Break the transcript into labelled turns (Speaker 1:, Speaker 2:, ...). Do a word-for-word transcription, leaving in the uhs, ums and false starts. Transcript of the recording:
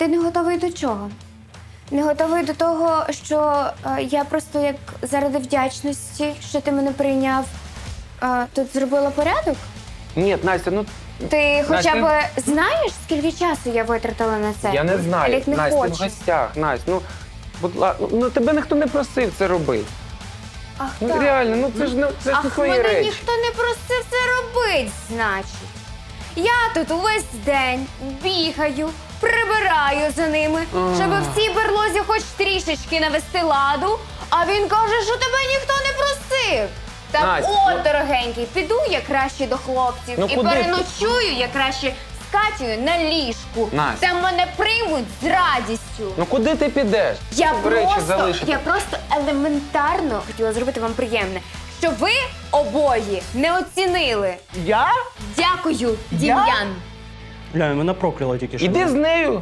Speaker 1: Ти не готовий до чого? Не готовий до того, що е, я просто як заради вдячності, що ти мене прийняв, е, тут зробила порядок?
Speaker 2: Ні, Настя, ну
Speaker 1: Ти хоча
Speaker 2: Настя,
Speaker 1: б знаєш, скільки часу я витратила на це?
Speaker 2: я не знаю.
Speaker 1: Олег не
Speaker 2: Настя, ти в
Speaker 1: хоче.
Speaker 2: гостях, Настя, ну, будь ласка, ну тебе ніхто не просив це робити.
Speaker 1: Ах,
Speaker 2: Ну
Speaker 1: так.
Speaker 2: реально, ну це ж не це ж не
Speaker 1: Ах,
Speaker 2: твої
Speaker 1: мене
Speaker 2: речі.
Speaker 1: ніхто не просив це робити, значить. Я тут увесь день бігаю, прибираю за ними,
Speaker 2: А.
Speaker 1: щоб в цій берлозі хоч трішечки навести ладу, а він каже, що тебе ніхто не просив. Так
Speaker 2: Настя,
Speaker 1: от,
Speaker 2: ну-
Speaker 1: дорогенький, піду я краще до хлопців
Speaker 2: Ну,
Speaker 1: і
Speaker 2: куди ти?
Speaker 1: переночую я краще з Катєю на ліжку.
Speaker 2: Настя.
Speaker 1: Там мене приймуть з радістю.
Speaker 2: Ну куди ти підеш?
Speaker 1: Я
Speaker 2: Щоб речі
Speaker 1: просто,
Speaker 2: залишити.
Speaker 1: я просто елементарно хотіла зробити вам приємне, що ви обоє не оцінили.
Speaker 3: Я?
Speaker 1: Дякую, Дім'ян.
Speaker 3: Бля, мене прокляла тільки що.
Speaker 2: Іди з нею